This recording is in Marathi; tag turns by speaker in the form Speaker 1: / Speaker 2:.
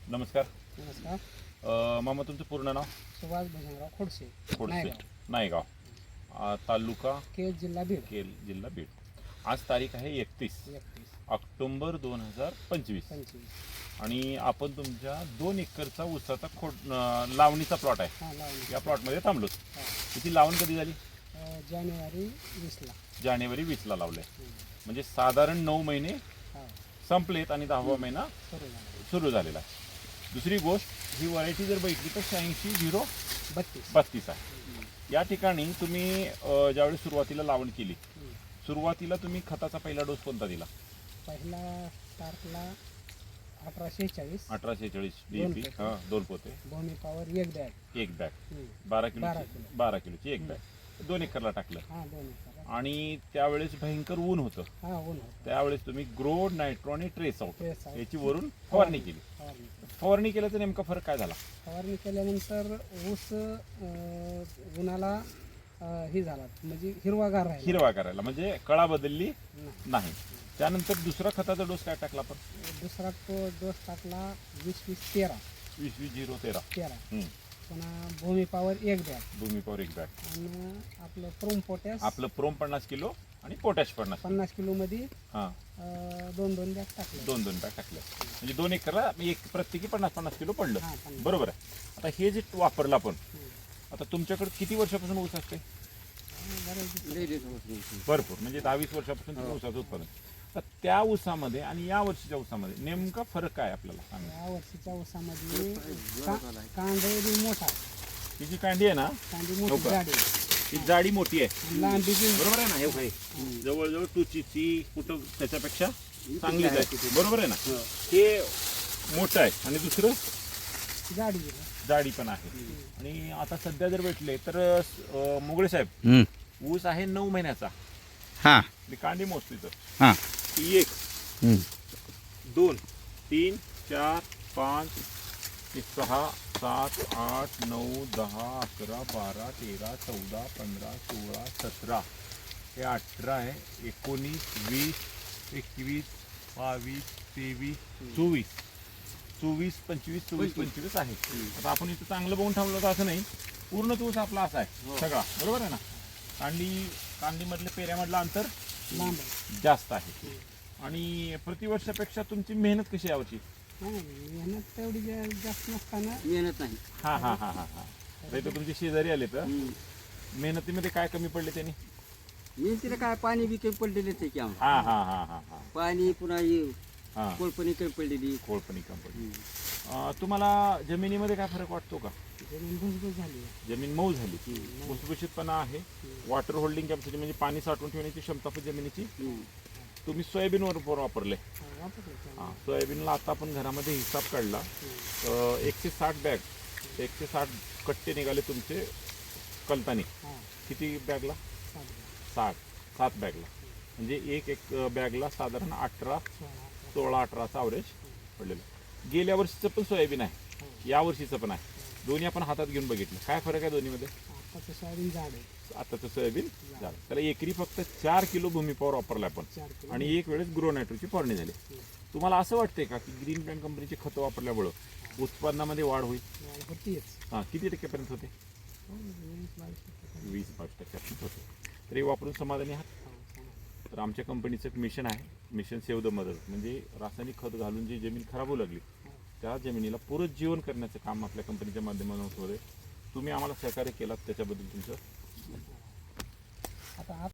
Speaker 1: नमस्कार.
Speaker 2: नमस्कार.
Speaker 1: मामा तुमचं पूर्ण नाव?
Speaker 2: सुभाष भजनराव खोडसे,
Speaker 1: खोडसे, नायगाव, तालुका
Speaker 2: केज, जिल्हा बीड.
Speaker 1: केल, जिल्हा बीड. आज तारीख आहे 31 ऑक्टोबर 2025 आणि आपण तुमच्या 2 एकरचा ऊसाचा लावणीचा प्लॉट आहे.
Speaker 2: हां, लावणी.
Speaker 1: या प्लॉटमध्ये थांबलो.
Speaker 2: हां.
Speaker 1: किती लावण कधी झाली?
Speaker 2: जानेवारी 20ला.
Speaker 1: जानेवारी 20ला लावले. म्हणजे साधारण 9 महिने
Speaker 2: हां,
Speaker 1: संपलेत आणि 10वा महिना
Speaker 2: सुरू झाला.
Speaker 1: सुरू झालेला आहे. दुसरी गोष्ट, ही व्हरायटी जर बघितली तर 86-0-32 आहे. या ठिकाणी तुम्ही ज्यावेळी सुरुवातीला लावण केली, सुरुवातीला तुम्ही खताचा पहिला डोस कोणता दिला?
Speaker 2: पहिला स्टार्टला 1846
Speaker 1: DAP. हां, 2 पोते,
Speaker 2: भूमी पॉवर 1 बॅग.
Speaker 1: 1 बॅग, 12 किलोची 1 बॅग 2 एकरला टाकलं.
Speaker 2: हां, 2 एकर.
Speaker 1: आणि त्यावेळेस भयंकर ऊन होतं.
Speaker 2: हां, ऊन होतं.
Speaker 1: त्यावेळेस तुम्ही ग्रो, नायट्रो आणि ट्रेस आउट
Speaker 2: Trace out.
Speaker 1: याची वरून फवारणी केली.
Speaker 2: फवारणी.
Speaker 1: फवारणी केल्याचा नेमका फरक काय झाला?
Speaker 2: फवारणी केल्यानंतर ऊस उन्हाला हे झाला, म्हणजे हिरवागार राहिला.
Speaker 1: हिरवा करायला म्हणजे कळा बदलली
Speaker 2: नाही.
Speaker 1: नाही. त्यानंतर दुसरा खताचा डोस काय टाकला आपण?
Speaker 2: दुसरा तो डोस टाकला 20-20-13.
Speaker 1: 20-20-13.
Speaker 2: पुन्हा Bhumi power 1 bag
Speaker 1: Bhumi power 1 bag
Speaker 2: आणि आपलं प्रोम पोटॅश.
Speaker 1: आपलं प्रोम 50 किलो आणि पोटॅश
Speaker 2: 50 किलो मध्ये
Speaker 1: हां
Speaker 2: 2 बॅग टाकले.
Speaker 1: 2 बॅग टाकल्या. म्हणजे 2 एकरला एक प्रत्येकी 50-50 किलो पडलं.
Speaker 2: हां, 50.
Speaker 1: बरोबर आहे. आता हे जे वापरलं आपण, आता तुमच्याकडे किती वर्षापासून ऊस असते? भरपूर, म्हणजे 10-20 वर्षापासून तुम्ही ऊसाचं उत्पादन. तर त्या ऊसामध्ये आणि या वर्षीच्या ऊसामध्ये नेमका फरक काय आपल्याला सांगा?
Speaker 2: या वर्षीच्या ऊसामध्ये कांदे मोठा,
Speaker 1: ही जी कांडी आहे ना,
Speaker 2: कांदी मोठी,
Speaker 1: हो का?
Speaker 2: जाडी,
Speaker 1: ही जाडी मोठी आहे,
Speaker 2: लांबी बी.
Speaker 1: बरोबर आहे ना? हे काही जवळजवळ टुचीची कुठं त्याच्यापेक्षा चांगलीच आहे, बरोबर आहे ना? हे मोठं आहे आणि दुसरं
Speaker 2: जाडी बी.
Speaker 1: जाडी पण आहे. आणि आता सध्या जर भेटले तर मुगळे साहेब, ऊस आहे 9 महिन्याचा.
Speaker 3: हां
Speaker 1: मी कांडी मोजतो तर
Speaker 3: हां
Speaker 1: 1 2 3 4 5 6 7 8 9 10 11 12 13 14 15 16 17 हे 18 आहे, 19 20 21 22 23 24 25 आहे. आता आपण इथं चांगलं बघून थांबलो तर असं नाही, पूर्ण तूच आपला असा आहे सगळा, बरोबर आहे ना? कांडीमधल्या पेऱ्यामधलं अंतर
Speaker 2: लांब आहे.
Speaker 1: जास्त आहे. आणि प्रतिवर्षापेक्षा तुमची मेहनत कशी आहे यावर्षी?
Speaker 2: मेहनत तेवढी जास्त नसताना
Speaker 4: मेहनत नाही.
Speaker 1: हा हा हा हा हा तर तुमचे शेजारी आले तर मेहनतीमध्ये काय कमी पडले त्यांनी?
Speaker 4: मेहनतीला काय पाणी बी काही पडलेले ते की आम्हाला.
Speaker 1: हा हा हा हा हा
Speaker 4: पाणी पुन्हा
Speaker 1: हा
Speaker 4: कोळपणी काही पडलेली.
Speaker 1: कोळपणी कमी पडली. तुम्हाला जमिनीमध्ये काय फरक वाटतो का?
Speaker 2: जमीन भुसभुस झाली.
Speaker 1: जमीन मऊ झाली, भुसभुशीतपणा आहे, वॉटर होल्डिंग कॅपॅसिटी म्हणजे पाणी साठवून ठेवण्याची क्षमता पण जमिनीची. तुम्ही सोयाबीनवर वापरले. हां, सोयाबीनला आता आपण घरामध्ये हिसाब काढला, 160 कट्टे निघाले तुमचे कलतानी. किती बॅगला? 7 बॅगला. म्हणजे एक बॅगला साधारण 16-18चा ॲव्हरेज पडलेलं. गेल्या वर्षीचं पण सोयाबीन आहे, या वर्षीचं पण आहे. दोन्ही आपण हातात घेऊन बघितलं, काय फरक आहे दोन्हीमध्ये?
Speaker 2: आताचं सोयाबीन जाड आहे.
Speaker 1: आताचं सोयाबीन झालं. त्याला एकरी फक्त 4 किलो भूमी पॉवर वापरला आपण
Speaker 2: 4 किलो.
Speaker 1: आणि एक वेळेस ग्रो नायट्रोची फवारणी झाली. तुम्हाला असं वाटतंय का की ग्रीन प्लॅन कंपनीचे खतं वापरल्यामुळं उत्पादनामध्ये वाढ होईल?
Speaker 2: होतीच.
Speaker 1: हां, किती टक्क्यापर्यंत होते? 20-22% होते. तर हे वापरून समाधानी आहात? तर आमच्या कंपनीचं एक मिशन आहे, मिशन सेव्ह द मदर. म्हणजे रासायनिक खत घालून जी जमीन खराब होऊ लागली त्या जमिनीला पुनरुज्जीवन करण्याचं काम आपल्या कंपनीच्या माध्यमातून होतं. तुम्ही आम्हाला सहकार्य केलात त्याच्याबद्दल तुमचं
Speaker 2: आता